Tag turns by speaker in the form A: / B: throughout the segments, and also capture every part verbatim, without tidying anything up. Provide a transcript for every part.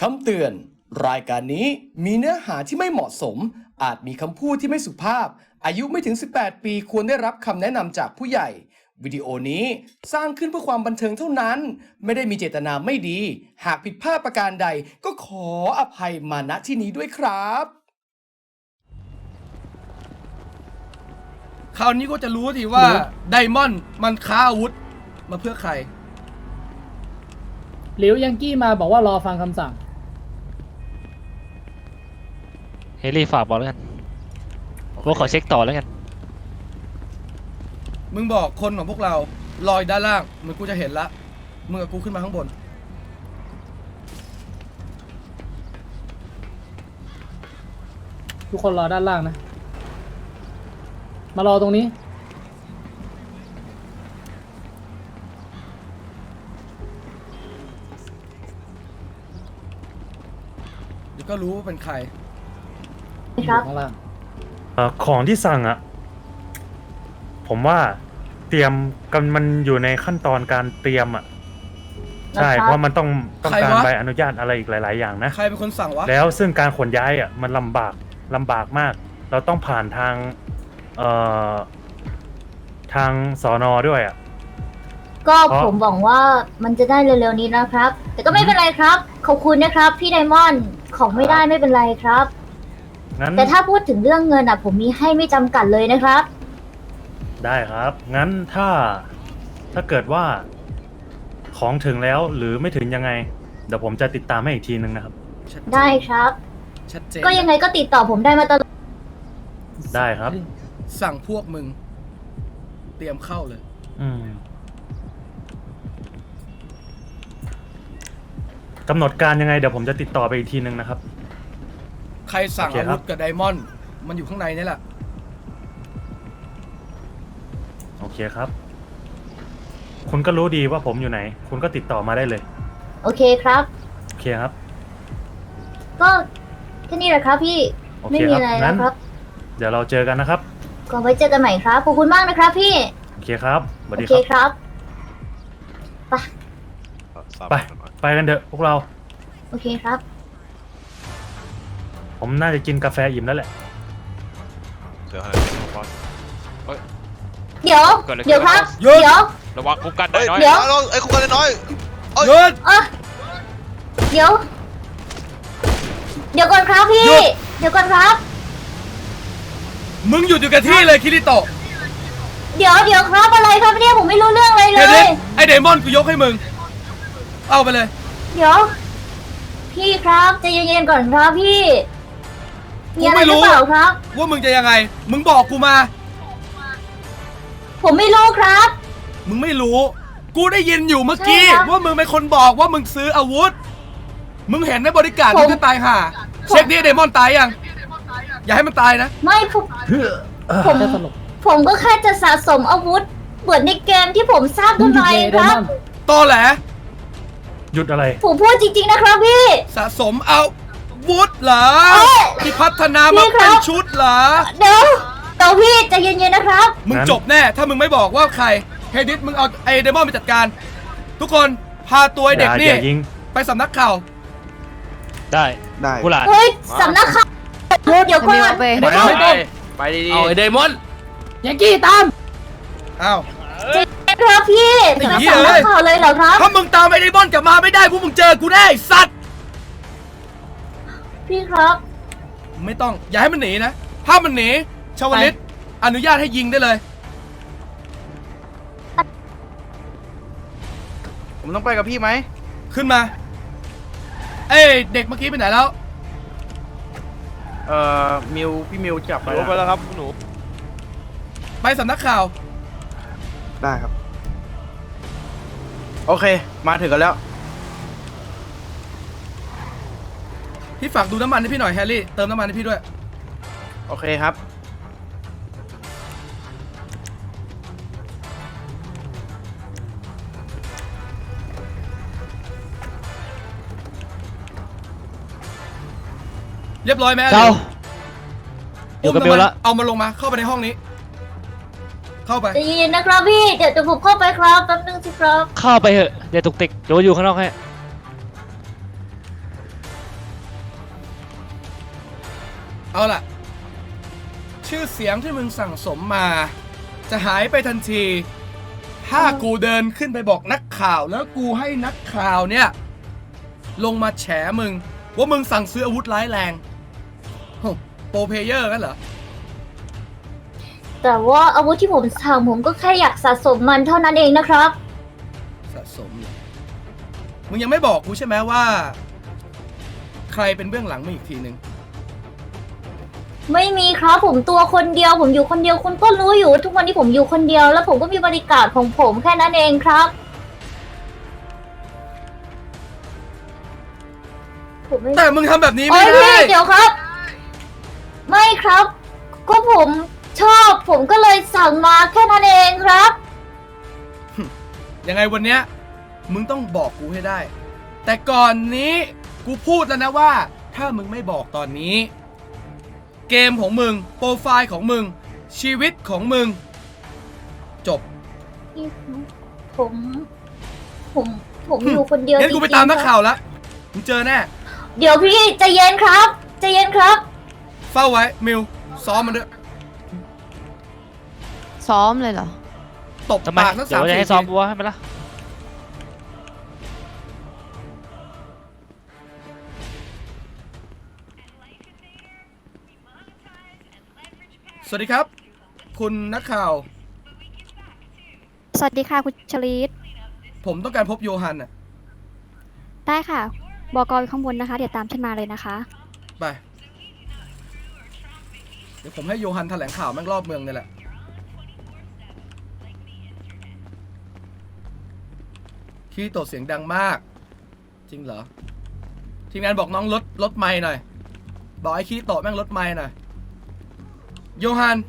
A: คำเตือนรายการนี้มีเนื้อหาที่ไม่เหมาะสมอาจมีคำพูดที่ไม่สุภาพอายุไม่ถึงสิบแปดปีควรได้รับคำแนะนำจากผู้ใหญ่วิดีโอนี้สร้างขึ้นเพื่อความบันเทิงเท่านั้นไม่ได้มีเจตนาไม่ดีหากผิดพลาดประการใดก็ขออภัยมาณที่นี้ด้วยครับคราวนี้ก็จะรู้ทีว่าไดมอนด์มันค้าอาวุธมาเพื่อใคร
B: หลิวยังกี้มาบอกว่ารอฟังคำสั่ง
C: เฮลี่ฝากบอกแล้วกันว่าขอเช็คต่อแล้วกัน
A: มึงบอกคนของพวกเราลอยด้านล่างเหมือนกูจะเห็นละมึงกับกูขึ้นมาข้างบน
B: ทุกคนรอด้านล่างนะมารอตรงนี้
A: เดี๋ยวก็รู้ว่าเป็นใคร
B: ครับข้างล่าง
D: ของที่สั่งอ่ะผมว่าเตรียมกันมันอยู่ในขั้นตอนการเตรียมอ่ะใช่เพราะมันต้องต้องการใบอนุญาตอะไรอีกหลายๆอย่างนะ
A: ใครเป็นคนสั่งวะ
D: แล้วซึ่งการขนย้ายอ่ะมันลำบากลำบากมากเราต้องผ่านทางเอ่อทางสน.ด้วยอ่ะ
E: ก็ผมหวังว่ามันจะได้เร็วๆนี้นะครับแต่ก็ไม่เป็นไรครับขอบคุณนะครับพี่ไดมอนด์ของไม่ได้ไม่เป็นไรครับแต่ถ้าพูดถึงเรื่องเงินอ่ะผมมีให้ไม่จำกัดเลยนะครับ
D: ได้ครับงั้นถ้าถ้าเกิดว่าของถึงแล้วหรือไม่ถึงยังไงเดี๋ยวผมจะติดตามให้อีกทีนึงนะครับ
E: ได้ครับ
A: ชัดเจน
E: ก็ยังไงก็ติดต่อผมได้มาตลอด
D: ได้ครับ
A: สั่งพวกมึงเตรียมเข้าเลย
D: อืมกำหนดการยังไงเดี๋ยวผมจะติดต่อไปอีกทีนึงนะครับ
A: ใครสั่งอาวุธกับไดมอนด์มันอยู่ข้างในนี่แหละ
D: โอเคครับคุณก็รู้ดีว่าผมอยู่ไหนคุณก็ติดต่อมาได้เลย
E: โอเคครับ
D: โอเคครับ
E: ก็แค่นี้แหละครับพี่ไม่มีอะไรแล้วครับ
D: เดี๋ยวเราเจอกันนะครับ
E: ก็ไว้เจอกันใหม่ครับขอบคุณมากนะครับพี่
D: โอเคครับสวัสดี
E: ครับ
D: ไปไปกันเถอะพวกเรา
E: โอเคครับ
D: ผมน่าจะกินกาแฟอิ่มแล้วแหละ
E: เดี๋ยวเดี๋ยวเดี๋ยวครับเดี๋ยว
C: ระวังคุกกันน้อย
E: เดี๋ยว
F: ไอ้คุกกันน้อย
A: หยุด
E: เดี๋ยวเดี๋ยวก่อนครับพี่เดี๋ยวก่อนครับ
A: มึงหยุดอยู่กับที่เลยคิริโตะ
E: เดี๋ยวเดี๋ยวครับอะไรครับเนี่ยผมไม่รู้เรื่องอะไรเลย
A: ไอเดมอนกูยกให้มึงเอาไปเลย
E: เดี๋ยวพี่ครับใจเย็นๆก่อนครับพี่มีอะไรหรือเปล่าครับ
A: ว่ามึงจะยังไงมึงบอกกูมา
E: ผมไม่รู้ครับ
A: มึงไม่รู้กูได้ยินอยู่เมื่อกี้ว่ามึงเป็นคนบอกว่ามึงซื้ออาวุธมึงเห็นในบริการมึงก็ตายห่าเช็คดิเดมอนตายยังอย่าให้มันตายนะ
E: ไม่ผมผมผมก็แค่จะสะสมอาวุธเหมือนในเกมที่ผมสร้างขึ้นมาเองครับ
A: ตอแหล
D: หยุดอะไร
E: ผมพูดจริงๆนะครับพี่
A: สะสมอาวุธเหรอที่พัฒนามาเป็นชุดเหรอ
E: เดี๋ยวเดี๋ยวพี่ใจเย็นๆนะครับ
A: มึงจบแน่ถ้ามึงไม่บอกว่าใครเฮดิสมึงเอาไอเดมอนไปจัดการทุกคนพาตัวเด็กนี่ไปสำนักข่าว
C: ได้
F: ได้
C: ผู้หลาน
E: เฮ้ยสำนักข่าวเดี๋ยวก่อน
C: ไปไปดีๆเอาไอเดมอน
B: ยังกี้ตาม
A: อ้าว
E: ครับพี่สำนักข่าวเลยเหรอครับ
A: ถ้ามึงตามไอเดมอนกลับมาไม่ได้พวกมึงเจอกูแน่สัตว์
E: พี่ครับ
A: ไม่ต้องอย่าให้มันหนีนะถ้ามันหนีชาวลิตอนุญาตให้ยิงได้เลย
F: ผมต้องไปกับพี่ไหม
A: ขึ้นมาเอ้เด็กเมื่อกี้ไปไหนแล้ว
F: เอ่อมิวพี่มิวจับไป
C: ไปแล้วครับหนู
A: ไปสำนักข่าว
F: ได้ครับโอเคมาถึงกันแล้ว
A: พี่ฝากดูน้ำมันให้พี่หน่อยแฮร์รี่เติมน้ำมันให้พี่ด้วย
F: โอเคครับ
A: เรียบร้อยไหม
C: เจ้า
A: อยู่กับเบลละเอามาลงมาเข้าไปในห้องนี้เข้าไป
E: ใจเย็นนะครับพี่เดี๋ยวจะผมเข้าไปครับแป๊บนึงสิครับ
C: เข้าไปเถอะเดี๋ยวตุกติกเดี๋ยวอยู่ข้างนอกให้
A: เอาล่ะ ชื่อเสียงที่มึงสั่งสมมา จะหายไปทันที ถ้ากูเดินขึ้นไปบอกนักข่าวแล้วกูให้นักข่าวเนี่ย ลงมาแฉมึง ว่ามึงสั่งซื้ออาวุธร้ายแรงโหโปรเพลเยอร์กันเหรอ
E: แต่ว่าอาวุธที่ผมสั่งผมก็แค่อยากสะสมมันเท่านั้นเองนะครับ
A: สะสมเหรอมึงยังไม่บอกกูใช่ไหมว่า ใครเป็นเบื้องหลังมึงอีกทีหนึ่ง
E: ไม่มีครับผมตัวคนเดียวผมอยู่คนเดียวคุณก็รู้อยู่ว่าทุกวันนี้ผมอยู่คนเดียวแล้วผมก็มีบริการของผมแค่นั้นเองครับผมไม่
A: แต่มึงทำแบบนี้
E: โอ้
A: ไม่
E: ย
A: ได้
E: พี่เดี๋ยวครับ ไม่ครับ ก็ผมชอบผมก็เลยสั่งมาแค่นั้นเองครับ
A: ยังไงวันเนี้ยมึงต้องบอกกูให้ได้ แต่ก่อนนี้กูพูดแล้วนะว่า ถ้ามึงไม่บอกตอนนี้ เกมของมึงโปรไฟล์ของมึง ชีวิตของมึง จบ
E: ผม ผมผมอยู่คนเดียว
A: งั้นกูไปตามนักข่าวแล้วมึงเจอแน่
E: เดี๋ยวพี่ใจเย็นครับใจเย็นครับ
A: เฝ้าไว้มิวซ้อมมันด้วย
G: ซ้อมเลยเหรอ
A: ตบ
C: ทำไม
A: ปากทั้ง
C: เดี๋ย
A: สาม
C: วจะ
A: สี่
C: ให้ซ้อม
A: ที
C: บัวให้มันละ
A: สวัสดีครับ คุณนักข่าว
H: สวัสดีค่ะ คุณชลิต
A: ผมต้องการพบโยฮันน่ะ
H: ได้ค่ะ บกอยู่ข้างบนนะคะ เดี๋ยวตามฉันมาเลยนะคะ
A: ไป เดี๋ยวผมให้โยฮันแถลงข่าวแม่งรอบเมืองนี่แหละ คีโตะเสียงดังมาก จริงเหรอ ทีมงานบอกน้องลดลดไมค์หน่อย บอกไอ้คีโตะแม่งลดไมค์หน่อย โยฮัน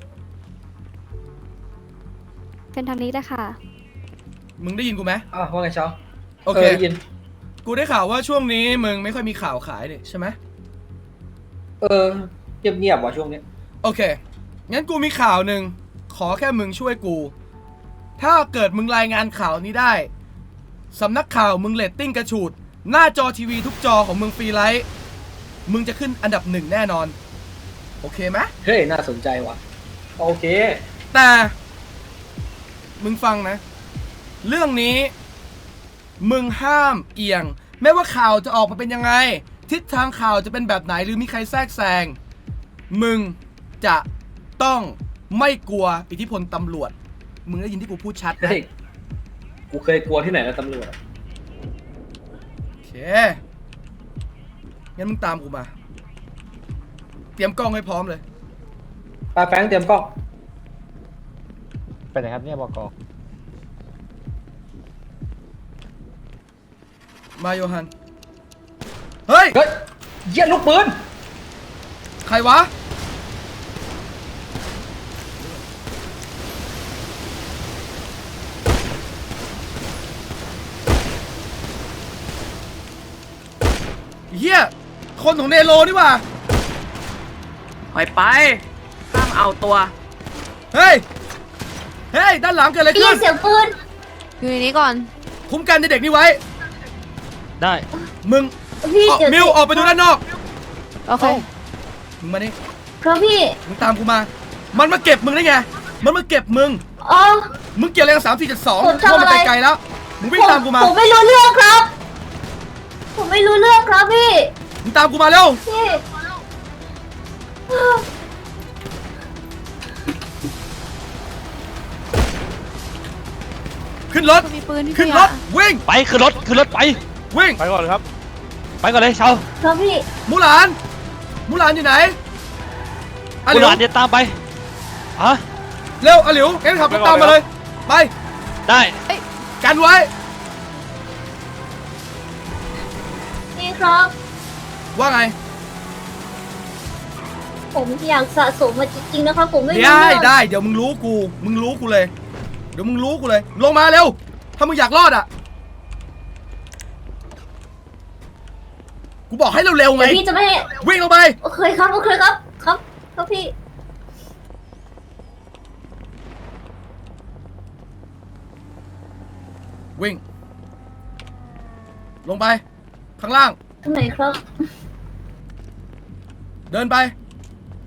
H: เป็นทางนี้เลยค่ะ
A: มึงได้ยินกูไหม
I: อ่ะว่าไงเช้า
A: โอเค
I: ยิน
A: กูได้ข่าวว่าช่วงนี้มึงไม่ค่อยมีข่าวขายนี่ใช่ไหม
I: เออเงียบเงียบๆว่ะช่วงนี้
A: โอเค งั้นกูมีข่าวหนึ่ง ขอแค่มึงช่วยกู ถ้าเกิดมึงรายงานข่าวนี้ได้ สำนักข่าวมึงเรตติ้งกระฉูด หน้าจอทีวีทุกจอของมึงฟรีไลท์ มึงจะขึ้นอันดับหนึ่งแน่นอน โอเคไหม
I: เฮ้ย น่าสนใจว่ะ โอเค
A: แต่ มึงฟังนะ เรื่องนี้ มึงห้ามเอียง ไม่ว่าข่าวจะออกมาเป็นยังไง ทิศทางข่าวจะเป็นแบบไหนหรือมีใครแทรกแซง มึงจะต้องไม่กลัวอิทธิพลตำรวจ มึงได้ยินที่กูพูดชัดนะ
I: เฮ้ย กูเคยกลัวที่ไหนแล้วตำรวจอะ
A: โอเค งั้นมึงตามกูมา เตรียมกล้องให้พร้อมเลย
I: ปาแฟงเตรียมกล้อง
C: ไปไหนครับเนี่ยบก
A: มาโยฮัน เฮ้ย
I: เฮ้ยเยี่ยลูกปืน
A: ใครวะ เฮียคนของเนโรนี่หว่า
F: ไปไปห้ามเอาตัว
A: เฮ้ย เฮ้ย ด้านหลังเกิดอะไร
E: ได้ยิ
A: ขึ้
E: น
A: น
E: เสียงปืน
G: อยู่ในนี้ก่อน
A: คุ้มกันเด็กๆนี่ไว้
C: ได้
A: มึง
E: พี่
A: ออก
E: เดี๋ยว
A: มิวออกไปดูด้านนอก
G: โอเค
A: มึงมานี่
E: ครับพี่
A: มึงตามกูมา มันมาเก็บมึงได้ไง มันมาเก็บมึง
E: อ๋อ
A: มึงเกี่ยวอะไรกับสามสี่เจ็ดสอง
E: ผมทำ
A: เข้ามา
E: อะไร
A: ไกลๆแล้ว มึงวิ่งตามกูมา
E: ผมไม่รู้เรื่องครับ ผมไม่รู้เรื่องครับพี่
A: มึงตามกูมาเร็ว
E: พี่
A: ขึ้นรถ
G: มีปืนพี่
A: ขึ้น
G: เบีย
A: ร
G: ร์
A: ถ วิ่ง
C: ไปขึ้นรถขึ้นรถไป
A: วิ่ง
C: ไปก่อนครับ ไปก่อนเลยเชา
E: ครับพี่
A: มูหลาน มูหลานอยู่ไหนอาห
C: คุ
A: ลิ
C: ณ
A: ว
C: หลานเดี๋ยวตามไปฮะ
A: เร็วอาหลิวงั้นขับรถตามมาเลย ไป
C: ได้
A: กันไว้
E: พี่ครับ
A: ว่าไง
E: ผมอยากสะสมมาจริงๆนะครับ ผมไม่รู้
A: ได้
E: เรื่อง
A: ได้ เดี๋ยวมึงรู้กู มึงรู้กูเลย เดี๋ยวมึงรู้กูเลย ลงมาเร็ว ถ้ามึงอยากรอดอ่ะ กูบอกให้เร็วๆไง
E: เดี๋ยวพี่จะไม่ให้
A: วิ่งลงไป
E: โอเคครับ โอเคครับ ครับ ครับพี่
A: วิ่ง ลงไป ข้างล่าง
E: ตรงไหนครับ
A: เดินไป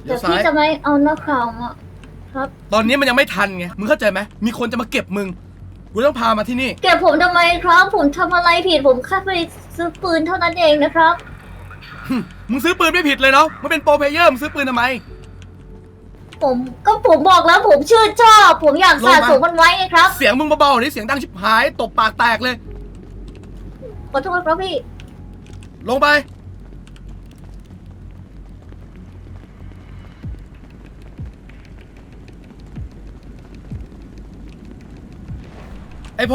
A: เดี๋
E: แต่
A: ยวซ้า
E: พี่
A: ย
E: จะไม่เอานักข่าวมาครับ
A: ตอนนี้มันยังไม่ทันไง มึงเข้าใจไหม มีคนจะมาเก็บมึง กูต้องพามาที่นี่
E: เก็บผมทำไมครับ ผมทำอะไรผิดผมแค่ไปซื้อปืนเท่านั้นเองนะครับ
A: มึงซื้อปืนไม่ผิดเลยเนาะมึงเป็นโปรเพลเยอร์ มึงซื้อปืนทำไม
E: ผมก็ผมบอกแล้วผมชื่นชอบ ผมอยากสะสมมันไว้ไงครับ
A: เสียงมึงเบาๆนี่เสียงดังชิบหาย ตบปากแตกเลย
E: ขอโทษครับพี่
A: ลงไป ไอโพ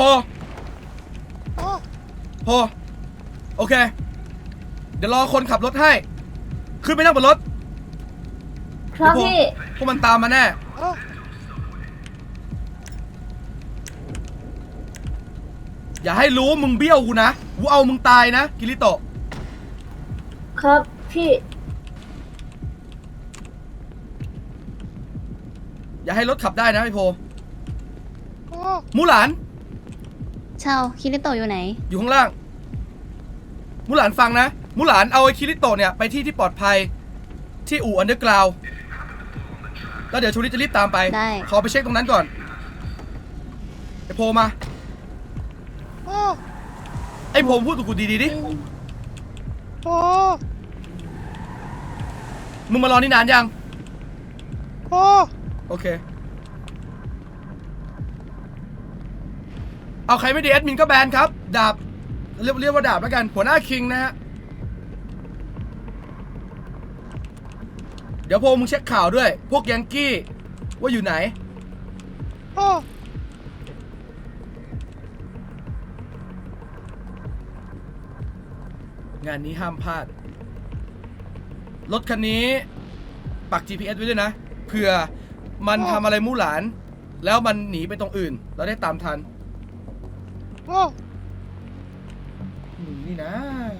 A: โพโอเค เดี๋ยวรอคนขับรถให้ ขึ้นไปนั่งบนรถ
E: ครับ
A: เดี๋ยวพวก
E: พี่
A: พวกมันตามมาแน่ อย่าให้รู้มึงเบี้ยวกูนะ กูเอามึงตายนะ กิริโตะ
E: ครับพี่
A: อย่าให้รถขับได้นะไอโพมูหลาน
H: ชาวคิริโตะอยู่ไหน
A: อยู่ข้างล่าง มูหลานฟังนะ มูหลานเอาไอ้คิริโตะเนี่ยไปที่ที่ปลอดภัย ที่อู่อันเดอร์กราวด์แล้วเดี๋ยวชูริจะรีบตามไป
H: ได้
A: ขอไปเช็คตรงนั้นก่อน ไอโพมา ไอโพพูดกับกูดีๆดิ มึงมารอนี่นานยังโอเค เอาใครไม่ดีแอดมินก็แบนครับ ดาบ เรียกเรียกว่าดาบแล้วกัน หัวหน้าคิงนะฮะ เดี๋ยวโพมึงเช็คข่าวด้วย พวกยังกี้ว่าอยู่ไหน งานนี้ห้ามพลาด รถคันนี้ปัก จี พี เอส ไว้ด้วยนะ เผื่อมันทำอะไรมู่หลาน แล้วมันหนีไปตรงอื่น เราได้ตามทันมึงนี่นะ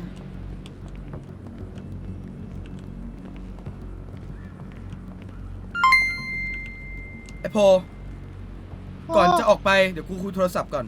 A: ไอโพ ก่อนจะออกไป เดี๋ยวกูคุยโทรศัพท์ก่อน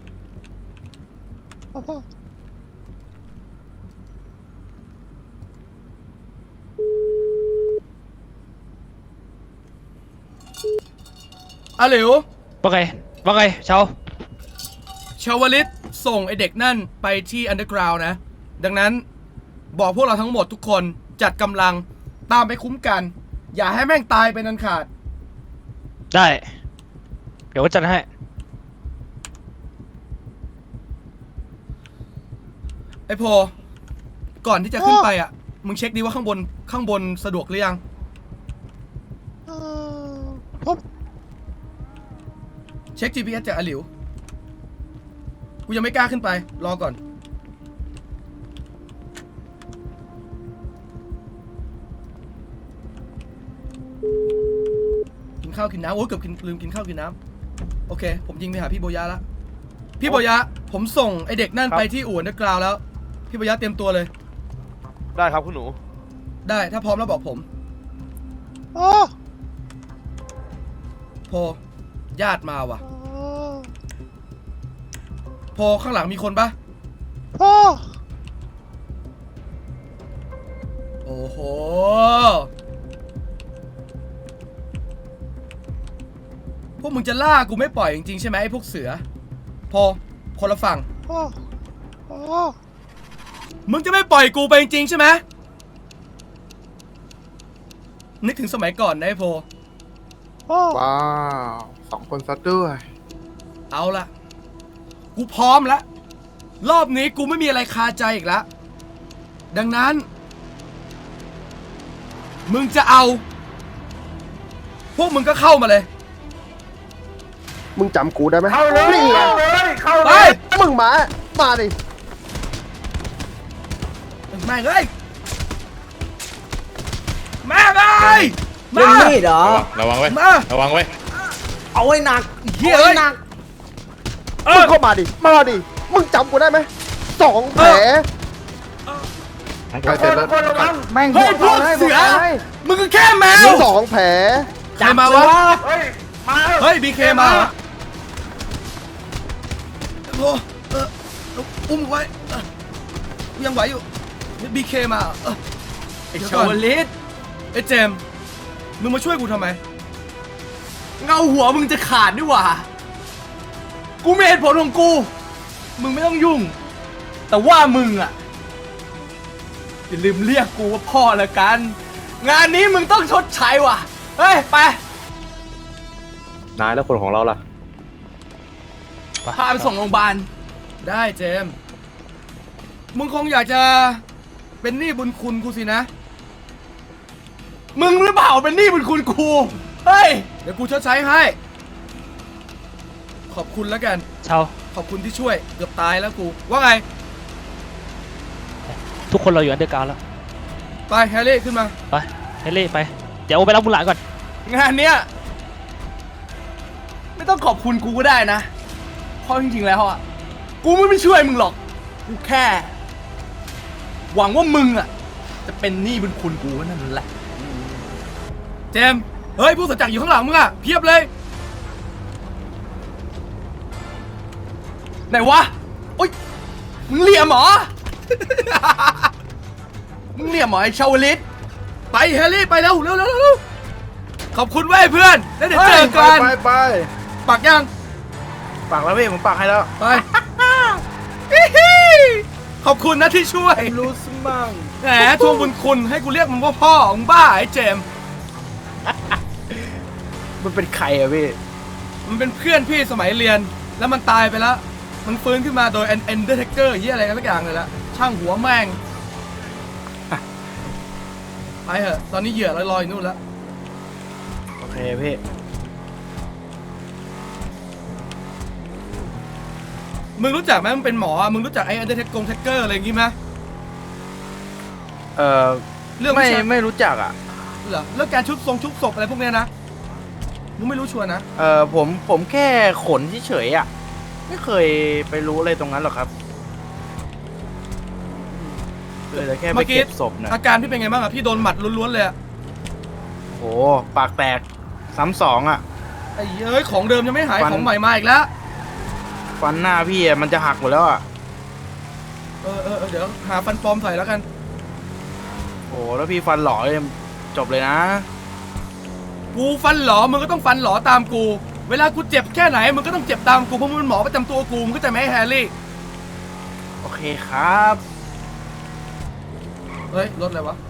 A: อะเหลว
C: ว่าไงว่าไงเชา
A: ชาวลิตส่งไอเด็กนั่นไปที่อันเดอร์กราวน์นะ ดังนั้นบอกพวกเราทั้งหมดทุกคนจัดกำลังตามไปคุ้มกัน อย่าให้แม่งตายเป็นอันขาด
C: ได้ เดี๋ยวว่าจัดให้
A: ไอโพ ก่อนที่จะขึ้นไปอ่ะ มึงเช็คดีว่าข้างบนข้างบนสะดวกหรือยังเช็ค จี พี เอส จากอาหลิว กูยังไม่กล้าขึ้นไป รอก่อน กินข้าวกินน้ำโอ้ยเกือบกินลืมกินข้าวกินน้ำโอเค ผมยิงไปหาพี่โบยะละพี่โบยะ ผมส่งไอเด็กนั่นไปที่อู่อันเดอร์กราวด์แล้ว พี่โบยะเตรียมตัวเลย
J: ได้ครับคุณหนู
A: ได้ถ้าพร้อมแล้วบอกผมโพญาติมาว่ะโพข้างหลังมีคนปะโอ้โห พวกมึงจะล่ากูไม่ปล่อยจริงๆใช่ไหมไอ้พวกเสือโพคนละฝั่งมึงจะไม่ปล่อยกูไปจริงๆใช่ไหมนึกถึงสมัยก่อนนะไอ้โพ
J: ว้าวสองคนซัดด้วย
A: เอาละกูพร้อมแล้วรอบนี้กูไม่มีอะไรคาใจอีกแล้วดังนั้น มึงจะเอา พวกมึงก็เข้ามาเลย
J: มึงจำกูได้ไหม
I: เข้าเลย
J: นี่ไง
I: เข้าเลยเข้า
A: ไป
I: เลย
J: มึงมา มาดิ
A: แม่งเอ้ยแม่งเอ้ย
I: เล่นมีดเหรอ
K: ระวังไว้
A: มา
K: ระวังไว้
I: เอาไว้หนัก
A: เหี้ย
I: เอา
A: เอ้
I: ไว้
A: ย
I: หนัก
J: มึงเข้ามาดิ มาดิ มึงจำกูได้ไหมสองแผลไปเสร็จแล้ว
I: คนระวังแม่ง
A: เฮ้ยพวกเสือ มึงก็แค่แมว
J: สองแผล
A: ใครมาวะ
I: เฮ้ยมา
A: เฮ้ยบีเคมาเหรอโอ้เอออุ้มไว้เออยังไหวอยู่บีเคมาเหรอเออ
I: ไอ้
A: เดี๋ยว
I: ชา
A: ก่อน
I: วลิต
A: ไอ้เจมส์มึงมาช่วยกูทำไม เงาหัวมึงจะขาดนี่หว่า กูมีเหตุผลของกู มึงไม่ต้องยุ่ง แต่ว่ามึงอ่ะอย่าลืมเรียกกูว่าพ่อละกัน งานนี้มึงต้องชดใช้ว่ะ เฮ้ย ไป
J: นายแล้วคนของเราล่ะ
A: พาไปส่งโรงพยาบาล ได้เจมส์มึงคงอยากจะเป็นหนี้บุญคุณกูสินะ มึงหรือเปล่าเป็นหนี้บุญคุณกู เฮ้ย เดี๋ยวกูชดใช้ให้ ขอบคุณแล้วกัน
C: เชา
A: ขอบคุณที่ช่วย เกือบตายแล้วกู ว่าไง
C: ทุกคนเราอยู่อันเดอร์กราวด์แล้ว
A: ไปแฮร์รี่ขึ้นมา
C: ไปเฮเล่ไปเดี๋ยวโอไปรับบุญหลานก่อน
A: งานเนี้ยไม่ต้องขอบคุณกูก็ได้นะ เพราะจริงๆแล้วอ่ะ กูไม่ไปช่วยมึงหรอก กูแค่ หวังว่ามึงอ่ะ จะเป็นหนี้บุญคุณกูนั่นแหละ เจมส์เฮ้ยผู้สัจจะอยู่ข้างหลังมึงอ่ะเพียบเลย ไหนวะ โอ๊ย มึงเหลี่ยมเหรอ มึงเหลี่ยมเหรอไอ้ชาวลิต ไปแฮร์รี่ไปแล้วเร็วเร็วเร็วขอบคุณเว้ยเพื่อน แล้วเดี๋ยวเจอกัน
F: ไปไป
A: ปักยัง
F: ปากแล้วพี่ผมปากให้แล้ว
A: ไป ขอบคุณนะที่ช่วย
F: รู้สมั่ง
A: แหมทวงบุญคุณให้กูเรียกมึงว่าพ่อมึงบ้าไอ้เจมส์
F: มันเป็นใครอะพี่
A: มันเป็นเพื่อนพี่สมัยเรียน แล้วมันตายไปแล้ว มันฟื้นขึ้นมาโดย Undertaker เหี้ยอะไรกันสักอย่างเลยละช่างหัวแม่ง ไปเถอะ ตอนนี้เหยื่อลอยๆอยู่นู่นแล้ว
F: โอเคพี่
A: มึงรู้จักไหมมึงเป็นหมอ มึงรู้จักไอ้ Undertaker อะไรอย่างงี้ไหม
F: เอ่อ
A: เรื่อง
F: ไม่
A: วิชา
F: ไม่รู้จักอ่ะ
A: เหรอเรื่องการชุบทรงชุบศพอะไรพวกเนี้ยนะ มึงไม่รู้ชัวร์นะ
F: เอ่อผมผมแค่ขนเฉยๆอ่ะ ไม่เคยไปรู้อะไรตรงนั้นหรอกครับเลยแต่แค่ไป
A: เมื่อกี้
F: เก็บศพนะ
A: อาการพี่เป็นไงบ้างอะพี่โดนหมัดล้วนๆเลยอะ
F: โหปากแตกซ้ำสองอ่ะ
A: ไอ้เอ้ยของเดิมยังไม่หาย
F: ฟัน
A: ของใหม่มาอีกแล้ว
F: ฟันหน้าพี่อะมันจะหักหมดแล้วอ่ะ
A: เออเออเออเดี๋ยวหาฟันปลอมใส่แล้วกัน
F: โหแล้วพี่ฟันหล่อเลยจบเลยนะ
A: กูฟันหลอมึงก็ต้องฟันหลอตามกู เวลากูเจ็บแค่ไหนมึงก็ต้องเจ็บตามกูเพราะมึงเป็นหมอประจำตัวกูมึงก็จะไม่ให้แฮร์รี่
F: โอเคครับ
A: เฮ้ยรถอะไรวะ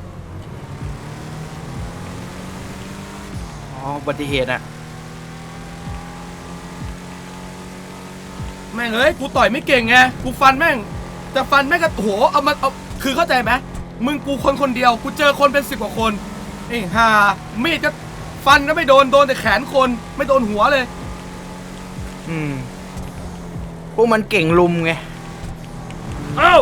F: อ๋ออุบัติเหตุอ่ะ
A: แม่งเอ้ยกูต่อยไม่เก่งไงกูฟันแม่งแต่ฟันแม่งก็โหเอามาเอาคือเข้าใจไหมมึงกูคนคนเดียวกูเจอคนเป็นสิบกว่าคนไอ้ห่ามีดก็ฟันก็ไม่โดนโดนแต่แขนคนไม่โดนหัวเลย
F: อืมพวกมันเก่งลุมไง
A: เอ้า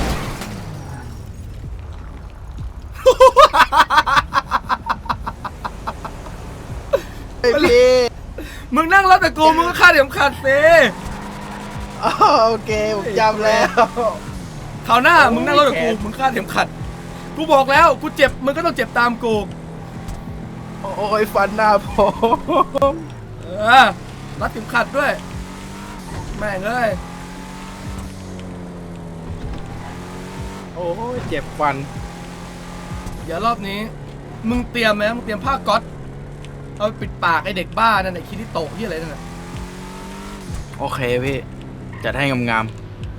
J: ไอ้พี่
A: มึงนั่งรถแต่กูมึงก็คาดเข็มขัดสิ
J: อ๋อโอเค ผมจำแล้ว
A: คราวหน้ามึงนั่งรถกับกูมึงคาดเข็มขัดกูบอกแล้วกูเจ็บมึงก็ต้องเจ็บตามกู
J: โอ้ยฟันหน้าผม
A: เออรัดเข็มขัดด้วยแม่งเอ้ย
F: โอ้ยเจ็บฟัน
A: เดี๋ยวรอบนี้มึงเตรียมไหมมึงเตรียมผ้าก๊อตเอาไปปิดปากไอเด็กบ้านั่นไอคิริโตะที่อะไรนั่นน่ะ
F: โอเคพี่จัดให้งาม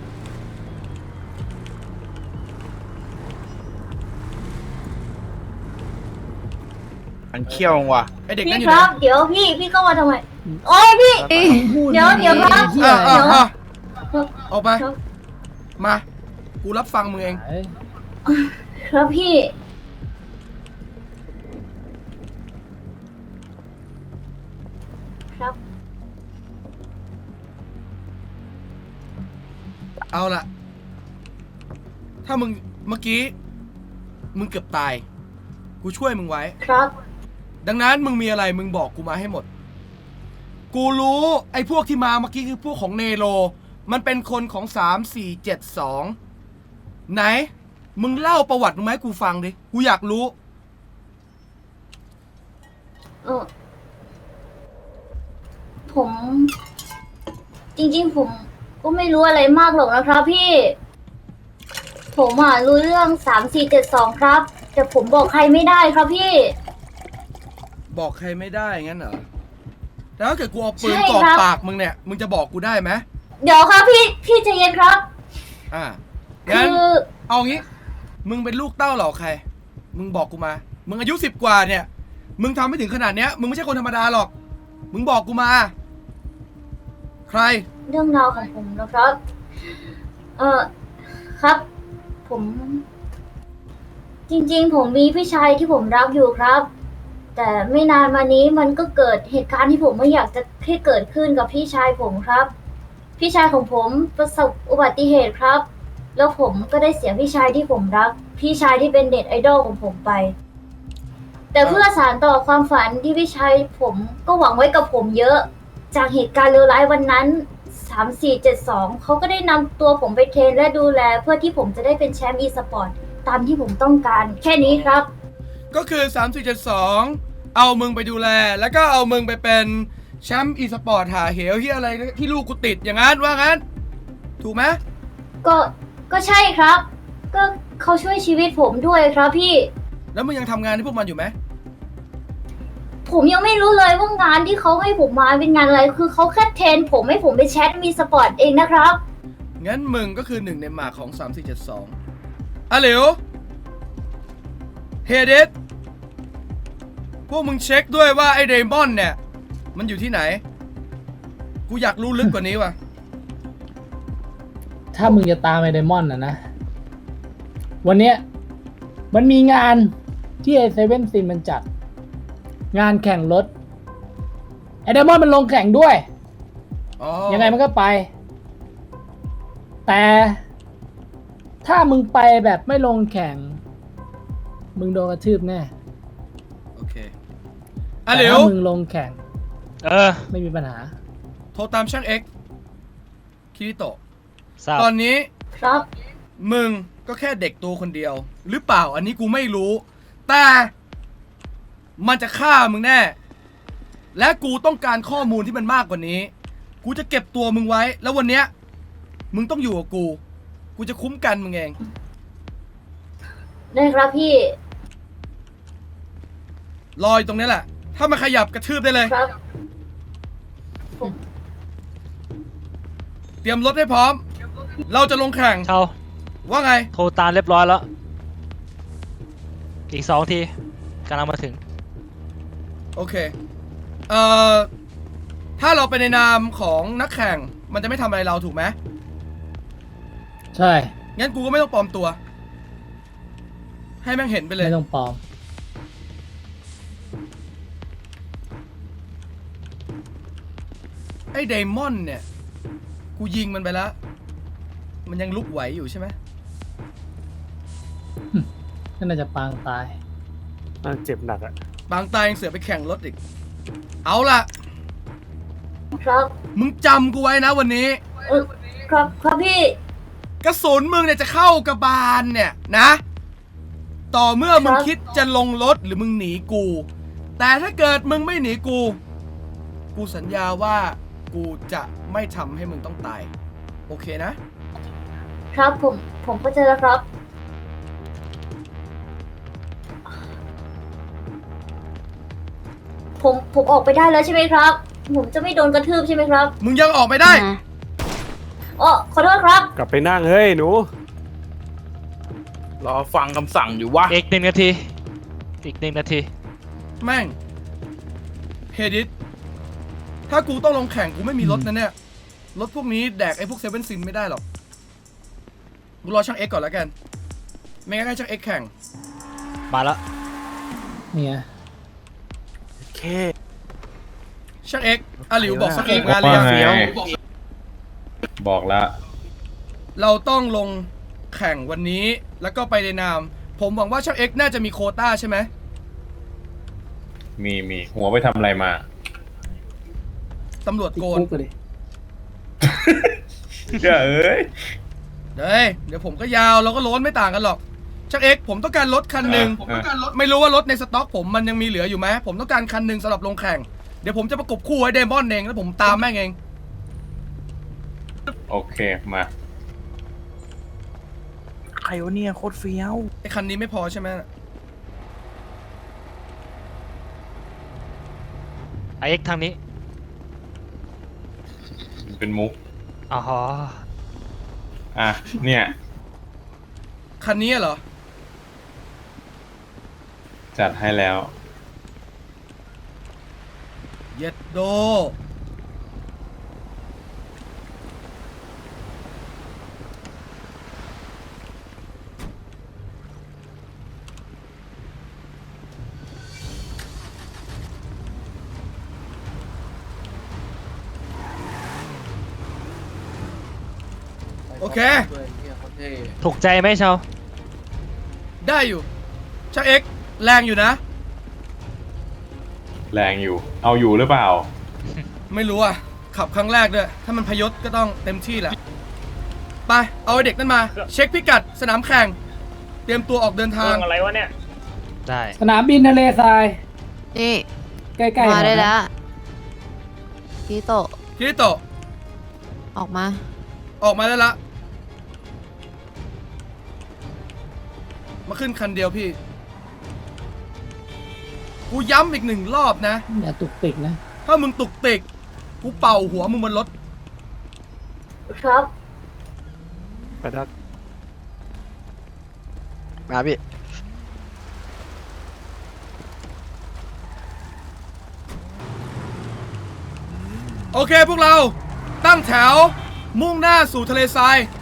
F: ๆอันเขี้ยวว่ะ
A: ไอเด็ก
E: พี่
A: นั่นอยู่
E: ค
A: ไหน
E: รับ เดี๋ยวพี่พี่เข้ามาทำไม โอ้ยพี่ เดี๋ยวเดี๋ยวครับ
A: อ่ะอ่ะ
E: เดี๋ยว
A: อ่ะออกมา
E: ครับ
A: มา กูรับฟังมึงเอง
E: ครับพี่ ครับ
A: เอาล่ะ ถ้ามึงเมื่อกี้ มึงเกือบตาย กูช่วยมึงไว้
E: ครับ
A: ดังนั้นมึงมีอะไรมึงบอกกูมาให้หมด กูรู้ไอ้พวกที่มาเมื่อกี้คือพวกของเนโร มันเป็นคนของสามสี่เจ็ดสองไหน มึงเล่าประวัติมึงมาให้กูฟังดิ กูอยากรู้
E: เออผม จริงๆ ผมก็ไม่รู้อะไรมากหรอกนะครับพี่ ผมอ่ะรู้เรื่องสามสี่เจ็ดสองครับ แต่ผมบอกใครไม่ได้ครับพี่
A: บอกใครไม่ได้งั้นเหรอแล้วถ้าเกิดกูเอาปืน
E: ใช่
A: กรอก
E: ครับ
A: ปากมึงเนี่ยมึงจะบอกกูได้ไหม
E: เดี๋ยวครับพี่พี่ใจเย็นครับ
A: อ่า
E: คื
A: งั้น
E: อ
A: เอางี้ มึงเป็นลูกเต้าเหล่าใคร มึงบอกกูมา มึงอายุสิบกว่าเนี่ย มึงทำไม่ถึงขนาดเนี้ย มึงไม่ใช่คนธรรมดาหรอก มึงบอกกูมา ใคร
E: เรื่องราวของผมนะครับ เออครับ ผม จริงๆ ผมมีพี่ชายที่ผมรักอยู่ครับ แต่ไม่นานมานี้มันก็เกิดเหตุการณ์ที่ผมไม่อยากจะให้เกิดขึ้นกับพี่ชายผมครับ พี่ชายของผมประสบอุบัติเหตุครับ แล้วผมก็ได้เสียพี่ชายที่ผมรัก พี่ชายที่เป็นเน็ตไอดอลของผมไป แต่เพื่อสานต่อความฝันที่พี่ชายผมก็หวังไว้กับผมเยอะ จากเหตุการณ์เลวร้ายวันนั้น สาม สี่ เจ็ด สอง เขาก็ได้นำตัวผมไปเทรนและดูแล เพื่อที่ผมจะได้เป็นแชมป์อีสปอร์ตตามที่ผมต้องการ แค่นี้ครับ
A: ก็คือสามสี่เจ็ดสองเอามึงไปดูแล แล้วก็เอามึงไปเป็นแชมป์อีสปอร์ตหาเหวที่อะไรที่ลูกกูติดอย่างนั้นว่างั้น ถูกไหม
E: ก็ก็ใช่ครับ ก็เขาช่วยชีวิตผมด้วยครับพี่
A: แล้วมึงยังทำงานให้พวกมันอยู่ไหม
E: ผมยังไม่รู้เลยว่างานที่เขาให้ผมมาเป็นงานอะไร คือเขาแค่เทรนผมให้ผมเป็นแชมป์อีสปอร์ตเองนะครับ
A: งั้นมึงก็คือหนึ่งในหมากของสามสี่เจ็ดสองอ่ะเหลวเฮเดสพวกมึงเช็คด้วยว่าไอ้เดมอนเนี่ย มันอยู่ที่ไหน กูอยากรู้ลึกกว่านี้ว่ะ
B: ถ้ามึงจะตามไอเดมอนนะนะ วันเนี้ยมันมีงานที่ไอเซเว่นซินมันจัด งานแข่งรถไอเดมอนมันลงแข่งด้วย
A: อ๋อ
B: ยังไงมันก็ไป แต่ถ้ามึงไปแบบไม่ลงแข่ง มึงโดนกระทืบแน่
A: โอเคอ่ะเหล
B: แต่
A: ว
B: ถ้ามึงลงแข่ง
C: เออ
B: ไม่มีปัญหา
A: โทรตามช่างเอ็กซ์คิริโตะ
C: ทราบ
A: ตอนนี้
E: ครับ
A: มึงก็แค่เด็กตัวคนเดียว หรือเปล่าอันนี้กูไม่รู้ แต่มันจะฆ่ามึงแน่ และกูต้องการข้อมูลที่มันมากกว่านี้ กูจะเก็บตัวมึงไว้ แล้ววันเนี้ยมึงต้องอยู่กับกู กูจะคุ้มกันมึงเอง
E: ได้ครับพี่
A: รออยู่ตรงนี้แหละ ถ้ามันขยับกระทืบได้เลย
E: ครับ
A: เตรียมรถให้พร้อม เราจะลงแข่ง
C: เช่า
A: ว่าไง
C: โทรตามเรียบร้อยแล้ว อีกสองทีกำลังมาถึง
A: โอเค เอ่อ ถ้าเราไปในนามของนักแข่ง มันจะไม่ทำอะไรเราถูกไหม
B: ใช่
A: งั้นกูก็ไม่ต้องปลอมตัว ให้แม่งเห็นไปเลย
B: ไม่ต้องปลอม
A: ไอ้เดมอนเนี่ย กูยิงมันไปแล้ว มันยังลุกไหวอยู่ใช่ไหม
B: ก็น่าจะปางตาย
D: น่าเจ็บหนักอะ
A: บางตายยังเสือไปแข่งรถอีก เอาล่ะ
E: ครับ
A: มึงจำกูไว้นะวันนี้
E: เออครับครับพี่
A: กระสุนมึงเนี่ยจะเข้ากระบาลเนี่ยนะ ต่อเมื่อมึง
E: ครับ
A: คิดจะลงรถหรือมึงหนีกู แต่ถ้าเกิดมึงไม่หนีกู กูสัญญาว่ากูจะไม่ทำให้มึงต้องตาย โอเคนะ
E: ครับผมผมเข้าใจแล้วครับ ผมผมออกไปได้แล้วใช่ไหมครับ ผมจะไม่โดนกระทืบใช่ไหมครับ
A: มึงยังออกไม่ได้
E: อ๋อขอโทษครับ
J: กลับไปนั่งเฮ้ยหนู
F: รอฟังคำสั่งอยู่วะ
C: อีกหนึ่งนาที อีกหนึ่งนาที
A: แม่งเฮดิสถ้ากูต้องลงแข่งกูไม่มีรถนะเนี่ย รถพวกนี้แดกไอ้พวกเซเว่นซินไม่ได้หรอก กูรอช่างเอ็กก่อนแล้วกัน ไม่งั้นให้ช่างเอ็กแข่ง
C: มาแล้ว
B: เนี่ย
J: เค
A: ช่างเอ็กอาหลิวบอกสเก็ตงานเลย
K: ว่าไง
A: เฟี้ยว
K: บอกแล้ว
A: เราต้องลงแข่งวันนี้แล้วก็ไปในนาม ผมหวังว่าช่างเอ็กน่าจะมีโควต้าใช่ไหม
K: มีมีหัวไปทำอะไรมา
A: ตำรวจ
B: ติด
A: โกน
B: คุกเลย
K: เจ้าเอ้ย
A: เฮ้ยเดี๋ยวผมก็ยาวเราก็โล้นไม่ต่างกันหรอกช่างเอ็กผมต้องการรถคันหนึ่ง
K: ผมต้องการรถ
A: ไม่รู้ว่ารถในสต็อกผมมันยังมีเหลืออยู่ไหมผมต้องการคันหนึ่งสำหรับลงแข่งเดี๋ยวผมจะประกบคู่ไว้เดมอนเองแล้วผมตามแม่งเอง
K: โอเคมา
F: ใครวะเนี่ยโคตรเฟี้ยว
A: ไอ้คันนี้ไม่พอใช่ไหม
C: ไอเอ็กทางนี้
K: เป็นมุก
C: อ๋อ
K: อ่ะ เนี่ย
A: คันนี้เหรอ
K: จัดให้แล้ว
A: เย็ดโด โอเค
C: ถูกใจไหมเชา
A: ได้อยู่ช่างเอ็กซ์แรงอยู่นะ
K: แรงอยู่ เอาอยู่หรือเปล่า
A: ไม่รู้อ่ะ ขับครั้งแรกด้วย ถ้ามันพยศก็ต้องเต็มที่แหละ ไป เอาไอ้เด็กนั่นมา เช็คพิกัดสนามแข่ง เตรียมตัวออกเดินทาง
D: อะไรวะเนี่ย
C: ได้
B: สนามบินทะเลทราย
G: นี่
B: ใกล้ๆ
G: มาได้
B: หน่อยนะ
G: แล้วคิโตะ
A: คิริโตะ
G: ออกมา
A: ออกมาได้ละ มาขึ้นคันเดียวพี่ กูย้ำอีกหนึ่งรอบนะ
B: อย่าตุกติกนะ
A: ถ้ามึงตุกติก กูเป่าหัวมึงบนรถ
E: ครับ
J: ไปทักมาพี่
A: โอเคพวกเรา ตั้งแถว มุ่งหน้าสู่ทะเลทราย